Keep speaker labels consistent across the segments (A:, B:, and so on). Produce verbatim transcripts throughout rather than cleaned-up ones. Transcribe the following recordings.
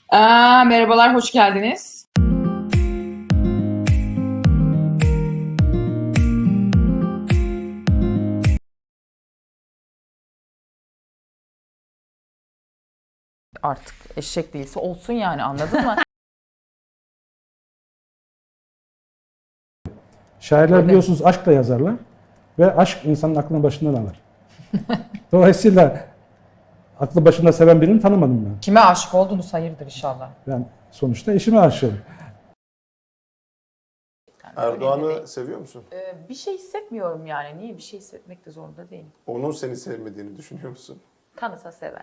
A: Aa, merhabalar, hoş geldiniz. Artık eşek değilse olsun yani, anladın mı?
B: Şairler
A: Öyle.
B: biliyorsunuz aşkla yazarlar ve aşk insanın aklını başından alır. Dolayısıyla aklı başında seven birini tanımadım ben.
A: Kime aşık oldunuz hayırdır inşallah.
B: Ben sonuçta eşime aşığım.
C: Erdoğan'ı seviyor musun?
A: Ee, bir şey hissetmiyorum yani. Niye bir şey hissetmek de zorunda değilim.
C: Onun seni sevmediğini düşünüyor musun?
A: Tanısa sever.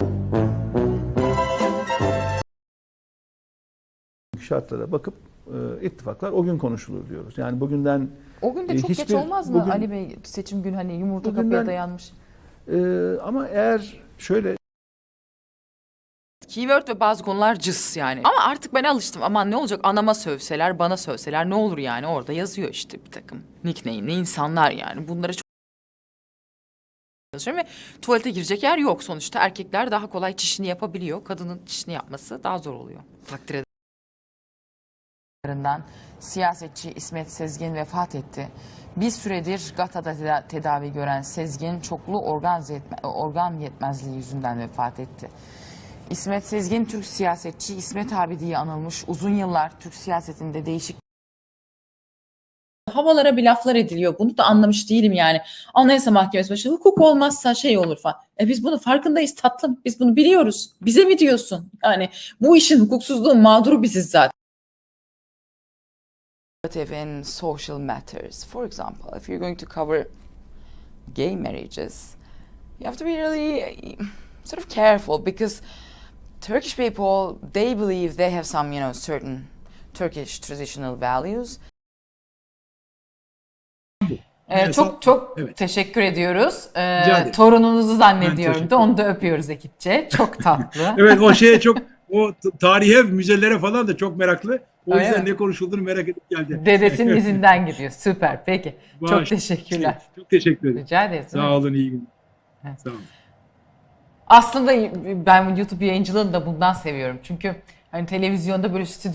D: Şartlara bakıp e, ittifaklar o gün konuşulur diyoruz. Yani bugünden
A: O gün de
D: e,
A: çok geç
D: hiçbir-
A: olmaz mı
D: bugün-
A: Ali Bey, seçim günü hani yumurta
D: Bugünden-
A: kapıya dayanmış.
D: e, ama eğer şöyle
A: Keyword ve bazı konular cıs yani. Ama artık ben alıştım. Aman ne olacak, anama sövseler, bana sövseler ne olur yani, orada yazıyor işte bir takım nickname'li insanlar yani. Bunlara çok çalışıyorum ve tuvalete girecek yer yok sonuçta. Erkekler daha kolay çişini yapabiliyor. Kadının çişini yapması daha zor oluyor. Takdir ederim. Siyasetçi İsmet Sezgin vefat etti. Bir süredir GATA'da teda- tedavi gören Sezgin çoklu organ, yetme- organ yetmezliği yüzünden vefat etti. İsmet Sezgin Türk siyasetçi, İsmet abi diye anılmış, uzun yıllar Türk siyasetinde değişik havalara bir laflar ediliyor. Bunu da anlamış değilim yani. Anayasa Mahkemesi başı hukuk olmazsa şey olur falan. E biz bunu farkındayız tatlım. Biz bunu biliyoruz. Bize mi diyorsun? Yani bu işin hukuksuzluğun mağduru biziz zaten. In social matters. For example, if you're going to cover gay marriages, you have to be really sort of careful because Turkish people, they believe they have some, you know, certain Turkish traditional values. Ee, çok çok
E: Evet.
A: teşekkür ediyoruz. Ee,
E: Rica ederim.
A: torununuzu
E: Ben
A: zannediyorum
E: teşekkür
A: da onu da öpüyoruz ekipçe. Çok tatlı.
E: Evet, o şeye çok, o t- tarihe, müzelere falan da çok meraklı. O
A: Öyle
E: yüzden
A: mi?
E: ne konuşulduğunu merak edip geldi.
A: Dedesinin izinden gidiyor. Süper. Peki. Çok
E: Bağış-
A: teşekkürler.
E: Çok teşekkür ederim.
A: Rica ederiz.
E: Sağ olun, iyi günler.
A: Evet.
E: Sağ olun.
A: Aslında ben YouTube yayıncılığını da bundan seviyorum. Çünkü hani televizyonda böyle stüdyo